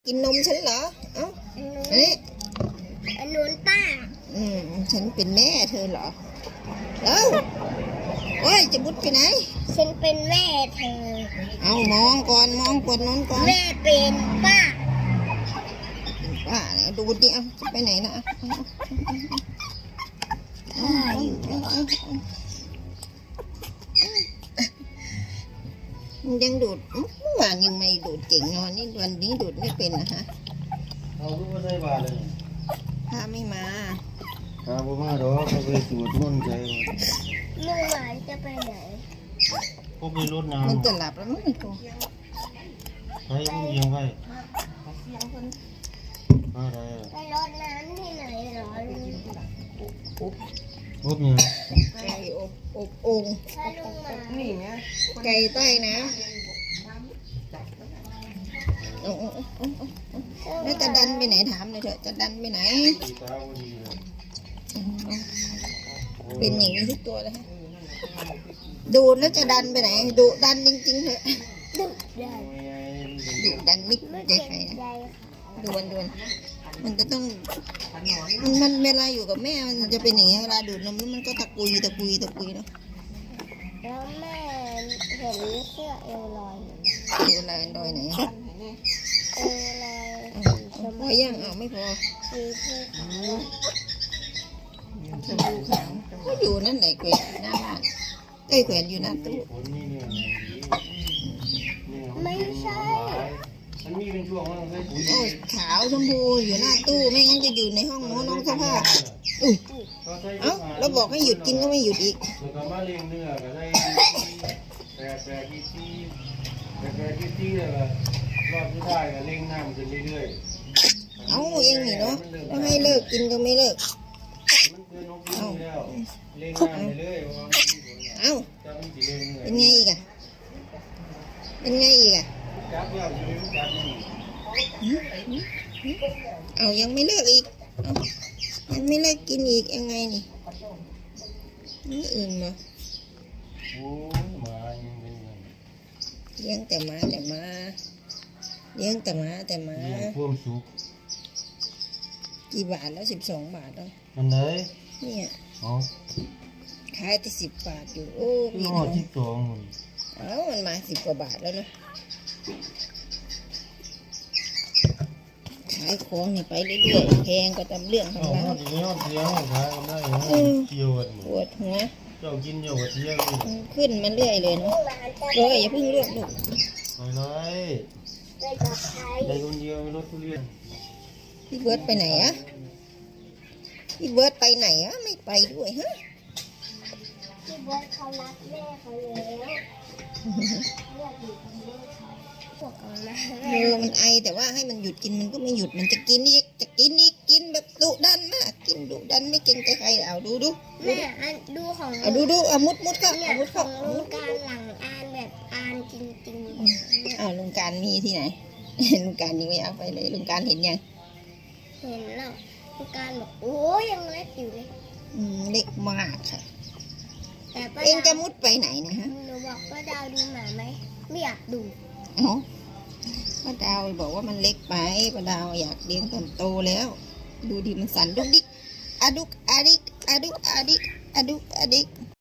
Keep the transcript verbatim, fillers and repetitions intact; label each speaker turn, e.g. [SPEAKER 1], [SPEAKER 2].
[SPEAKER 1] กินนมฉันเหรอเอ้าอันนี้
[SPEAKER 2] อันนู้นป้า
[SPEAKER 1] อืมฉันเป็นแม่เธอเหรอเอ้าโอ้ยจะมุดไปไหน
[SPEAKER 2] ฉันเป็นแม่เธอ
[SPEAKER 1] เอามองก่อนมองกดน้นก่อน
[SPEAKER 2] แม่เป็นป้า
[SPEAKER 1] ป้าเนี่ยดูดิเอาจะไปไหนนะเอาเอาเอามันยังดูดเมื่อวานยังไม่ดูดเก่งนอนนี่วันนี้ดูดไม่เป็นนะฮะ
[SPEAKER 3] เอาลูกมาใส่บาตรเลย
[SPEAKER 1] พาไม่มา
[SPEAKER 3] พาบ่มาดอกเขาไปสวดมนต์ใจ
[SPEAKER 2] ลุงหมายจะไปไหน
[SPEAKER 3] พวกมีรถน้ำ
[SPEAKER 1] มันจะหลับแล้วมั้งกู
[SPEAKER 3] ไปมึงยังไงอะไร
[SPEAKER 2] ไปรดน้ำที่ไหนหรอลุง
[SPEAKER 3] พวกยัง
[SPEAKER 1] ไก่อบอบโอ่งนี่ไงไก่ใต้น้ำโอ้โอ้โอ้แล้วจะดันไปไหนถามเลยเถอะจะดันไปไหนเป็นอย่างนี้ทุกตัวเลยฮะดูแล้วจะดันไปไหนดูดันจริงๆเถอะ
[SPEAKER 2] ดุดัน
[SPEAKER 1] ดุดันไม่ใจใครนะดวนดวนมันจะต้องมันมันเวลาอยู่กับแม่มันจะเป็นอย่างนี้เวลาดูดนมแล้วมันก็ตะกุยตะกุยตะกุยเนาะ
[SPEAKER 2] แล้วแม่เห็นเสื้อเอวลอย
[SPEAKER 1] เอวลอยลอยไหน
[SPEAKER 2] เอวลอย
[SPEAKER 1] พอยังเอาไม่พอ
[SPEAKER 2] สีผู้ขาว
[SPEAKER 1] ชมพูขาวก็อยู่นั่นแหละแขวนหน้าบ้านเอ้ยแขวนอยู่หน้าตู้
[SPEAKER 2] ไม่ใช่
[SPEAKER 3] มันมีเป็นช่วงว่าใส่ปุ๋ย
[SPEAKER 1] โอ้ขาวชมพูอยู่หน้าตู้ไม่งั้นจะอยู่ในห้องน้องน้องเสื้อผ้าอุ้ยเอ้าเราบอกให้หยุดกินก็ไม่หยุดอีก
[SPEAKER 3] แล้วก็มาเลี้ยงเนื้อก็ได้แปรแปรที่ที่แปรแปรที่ที่แล้วก็รอบที่ได้ก็เลี้ยงน้ำขึ้นเรื่อย
[SPEAKER 1] ๆเอ้าเองนี่เนาะแล้วให้เลิกกินก็ไม่เลิก
[SPEAKER 3] มันเกินนกกินแล้วเลี้ยงน้ำไปเลย
[SPEAKER 1] เอ้าเป็นไงอีกอ่ะเป็นไงอีกอ่ะ
[SPEAKER 3] จับแล้วอยู่จับนี่
[SPEAKER 1] เอายังไม่เลิกอีกเอายังไม่เลิกกินอีกยังไงนี่นี่อื่นเหรอ
[SPEAKER 3] โอ้มายังเป็น
[SPEAKER 1] เลี้ยงแต่มาแต่มาเลี้ยงแต่มาแต่มา
[SPEAKER 3] เพิ่มสุก
[SPEAKER 1] กี่บาทแล้วสิบสองบาทแล้ว
[SPEAKER 3] มันไหน
[SPEAKER 1] เนี่ย
[SPEAKER 3] อ๋อ
[SPEAKER 1] ขายแต่สิบบาทอยู่โอ้
[SPEAKER 3] พี่น้องสิบสอง
[SPEAKER 1] เอ้ามันมาสิบกว่าบาทแล้วนะขายของนี่ไปเรื่อยๆแพงก็ตามเรื่องของเรา
[SPEAKER 3] เดี๋ยวเดี๋ยวขายกันได้เกี่ยวกัน
[SPEAKER 1] ปวดหัว
[SPEAKER 3] เจ้ากินเยอะกว่าเที่ยง
[SPEAKER 1] ขึ้นมันเรื่อยเลยเนาะเลยอย่าเพิ่งเลือกลูก
[SPEAKER 3] น้อยๆได้คนเดียวรถทุเรียน
[SPEAKER 1] พี่เบิร์ดไปไหนอะพี่เบิร์ดไปไหนอะไม่ไปด้วยฮะ
[SPEAKER 2] พี่เบิร์ดเขารักแม่เขาแล้ว
[SPEAKER 1] เออมันไอแต่ว่าให้มันหยุดกินมันก็ไม่หยุดมันจะกินอีกจะกินอีกกินแบบดุดันมากกินดุดันไม่เกรงใจใครเอาดูดู
[SPEAKER 2] แม่ดูของ
[SPEAKER 1] เอาดูดูเอามุดมุดเข้าเอามุดเข้า
[SPEAKER 2] ลุงการหลังอ่านแบบอ่านจริง
[SPEAKER 1] ๆอ้าวลุงการมีที่ไหนลุงการยังไม่เอาไปเลยลุงการเห็นยัง
[SPEAKER 2] เห็นแล้วลุงการบอกโอ้ยยังเล็กอยู่เลย
[SPEAKER 1] อืมเล็กมากค่ะแต่เองจะมุดไปไหนนะฮะ
[SPEAKER 2] หนูบอกป้าดาวดูหมาไหมไม่อยากดู
[SPEAKER 1] อ๋อป้าดาวบอกว่ามันเล็กไปป้าดาวอยากเลี้ยงตอนโตแล้วดูดิมันสั่นดุกดิกอะดุกอะดิกอะดุกอะดิกอะดุกอะดิก